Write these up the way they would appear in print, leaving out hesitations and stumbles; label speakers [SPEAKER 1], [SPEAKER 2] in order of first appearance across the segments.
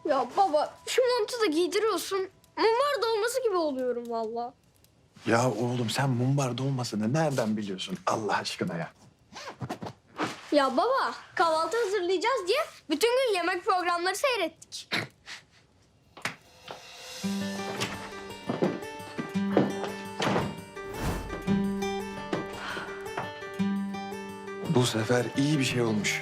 [SPEAKER 1] Ya baba şu montu da giydiriyorsun. Mumbar dolması gibi oluyorum valla.
[SPEAKER 2] Ya oğlum sen mumbar dolmasını nereden biliyorsun Allah aşkına ya?
[SPEAKER 1] Ya baba kahvaltı hazırlayacağız diye bütün gün yemek programları seyrettik.
[SPEAKER 2] Bu sefer iyi bir şey olmuş.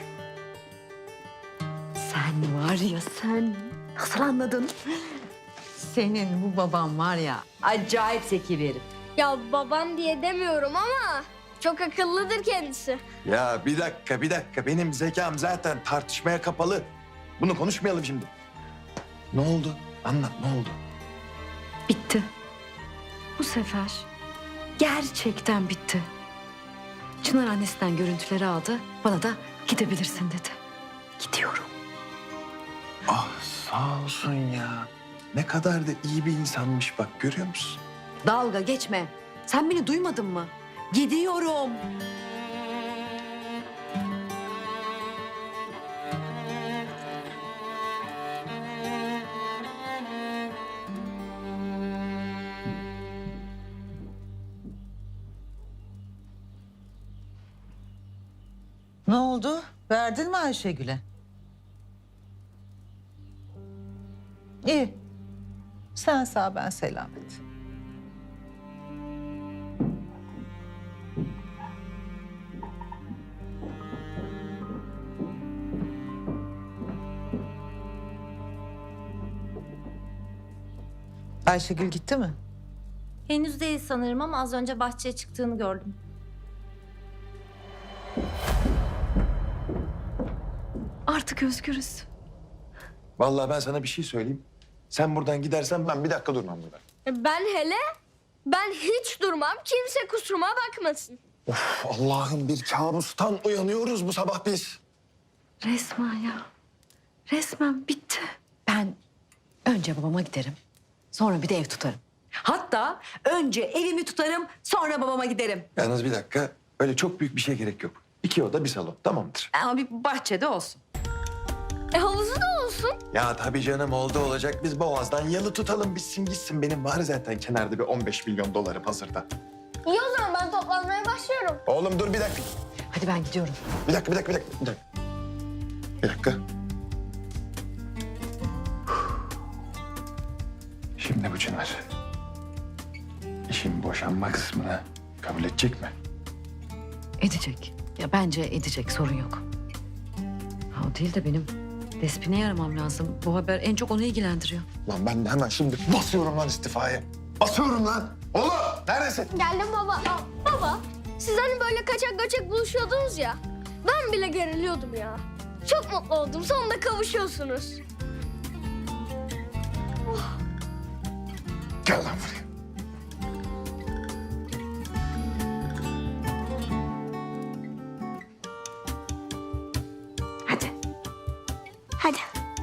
[SPEAKER 3] Sen var ya sen. Nasıl anladın? Senin bu baban var ya acayip zeki bir herif.
[SPEAKER 1] Ya babam diye demiyorum ama çok akıllıdır kendisi.
[SPEAKER 2] Ya bir dakika. Benim zekam zaten tartışmaya kapalı. Bunu konuşmayalım şimdi. Ne oldu? Anlat ne oldu?
[SPEAKER 3] Bitti. Bu sefer gerçekten bitti. Çınar annesinden görüntüleri aldı. Bana da gidebilirsin dedi. Gidiyorum.
[SPEAKER 2] Ah sağ olsun ya. Ne kadar da iyi bir insanmış bak görüyor musun?
[SPEAKER 3] Dalga geçme. Sen beni duymadın mı? Gidiyorum.
[SPEAKER 4] Ne oldu? Verdin mi Ayşegül'e? İyi. Sen sağ ben selamet. Ayşegül gitti mi?
[SPEAKER 5] Henüz değil sanırım ama az önce bahçeye çıktığını gördüm.
[SPEAKER 3] Artık özgürüz.
[SPEAKER 2] Vallahi ben sana bir şey söyleyeyim. Sen buradan gidersen ben bir dakika durmam burada.
[SPEAKER 1] Ben hiç durmam. Kimse kusuruma bakmasın.
[SPEAKER 2] Of Allah'ım bir kabustan uyanıyoruz bu sabah biz.
[SPEAKER 3] Resmen ya. Resmen bitti. Ben önce babama giderim. Sonra bir de ev tutarım. Hatta önce evimi tutarım, sonra babama giderim.
[SPEAKER 2] Yalnız bir dakika. Öyle çok büyük bir şey gerek yok. 2 oda bir salon tamamdır.
[SPEAKER 3] Ama bir bahçede olsun.
[SPEAKER 1] Havuzu da olsun.
[SPEAKER 2] Ya tabii canım oldu olacak. Biz Boğaz'dan yalı tutalım bitsin gitsin. Benim var zaten kenarda bir 15 milyon dolarım hazırda.
[SPEAKER 1] İyi o zaman ben toplanmaya başlıyorum.
[SPEAKER 2] Oğlum dur bir dakika.
[SPEAKER 3] Hadi ben gidiyorum.
[SPEAKER 2] Bir dakika. Bir dakika. Şimdi bu Çınar. İşin boşanma kısmını kabul edecek mi?
[SPEAKER 3] Edecek. Ya bence edecek, sorun yok. Ha, o değil de benim Despin'i aramam lazım. Bu haber en çok onu ilgilendiriyor.
[SPEAKER 2] Lan ben de hemen şimdi basıyorum lan istifaya. Basıyorum lan. Oğlum neredesin?
[SPEAKER 1] Geldim baba. Baba siz hani böyle kaçak göçek buluşuyordunuz ya. Ben bile geriliyordum ya. Çok mutlu oldum. Sonunda kavuşuyorsunuz.
[SPEAKER 2] Gel lan buraya.
[SPEAKER 3] Hadi.
[SPEAKER 1] Hadi.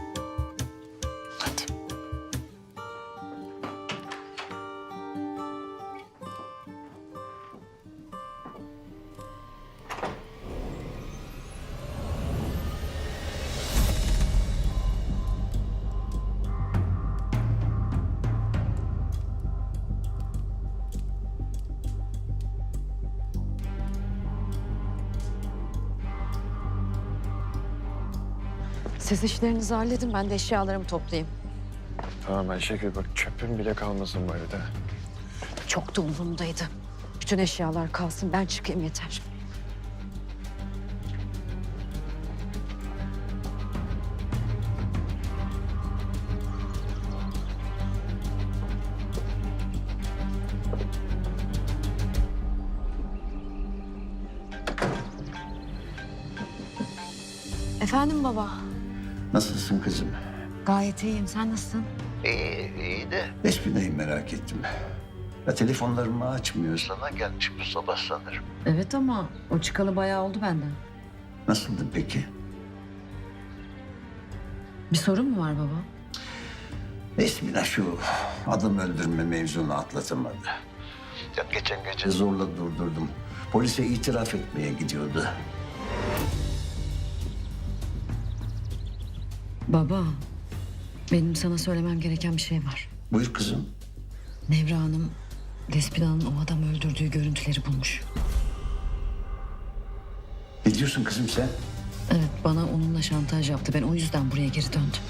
[SPEAKER 2] Hadi.
[SPEAKER 3] Siz işlerinizi halledin, ben de eşyalarımı toplayayım.
[SPEAKER 2] Tamam Ayşegül bak çöpün bile kalmasın bu evde.
[SPEAKER 3] Çok da umurumdaydı. Bütün eşyalar kalsın, ben çıkayım yeter. Efendim baba.
[SPEAKER 6] Nasılsın kızım?
[SPEAKER 3] Gayet iyiyim, sen nasılsın?
[SPEAKER 6] İyi de. Despina'yı merak ettim. Ya telefonlarımı açmıyor. Sana gelmiş bu sabah sanırım.
[SPEAKER 3] Evet ama o çıkalı bayağı oldu benden.
[SPEAKER 6] Nasıldı peki?
[SPEAKER 3] Bir sorun mu var baba?
[SPEAKER 6] Despina şu adam öldürme mevzunu atlatamadı. Ya geçen gece zorla durdurdum. Polise itiraf etmeye gidiyordu.
[SPEAKER 3] Baba, Benim sana söylemem gereken bir şey var.
[SPEAKER 6] Buyur kızım.
[SPEAKER 3] Nevra Hanım, Despina'nın o adamı öldürdüğü görüntüleri bulmuş.
[SPEAKER 6] Ne diyorsun kızım sen?
[SPEAKER 3] Evet, bana onunla şantaj yaptı. Ben o yüzden buraya geri döndüm.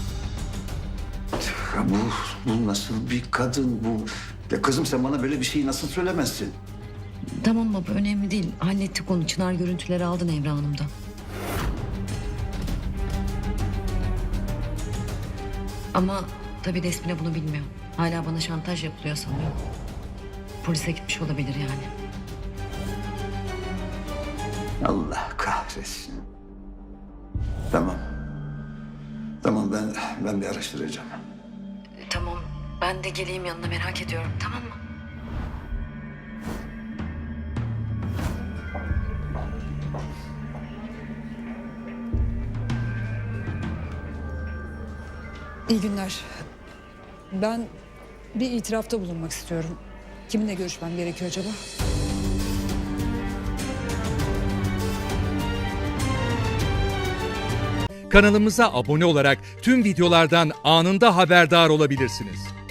[SPEAKER 6] Ya bu nasıl bir kadın bu? Ya kızım sen bana böyle bir şeyi nasıl söylemezsin?
[SPEAKER 3] Tamam baba, önemli değil. Hallettik onu. Çınar görüntüleri aldı Nevra Hanım'dan. Ama tabii Despina bunu bilmiyor. Hala bana şantaj yapılıyor sanıyor. Polise gitmiş olabilir yani.
[SPEAKER 6] Allah kahretsin. Tamam. Tamam ben bir araştıracağım.
[SPEAKER 3] Tamam, ben de geleyim yanına, merak ediyorum, tamam mı?
[SPEAKER 7] İyi günler. Ben bir itirafta bulunmak istiyorum. Kiminle görüşmem gerekiyor acaba?
[SPEAKER 8] Kanalımıza abone olarak tüm videolardan anında haberdar olabilirsiniz.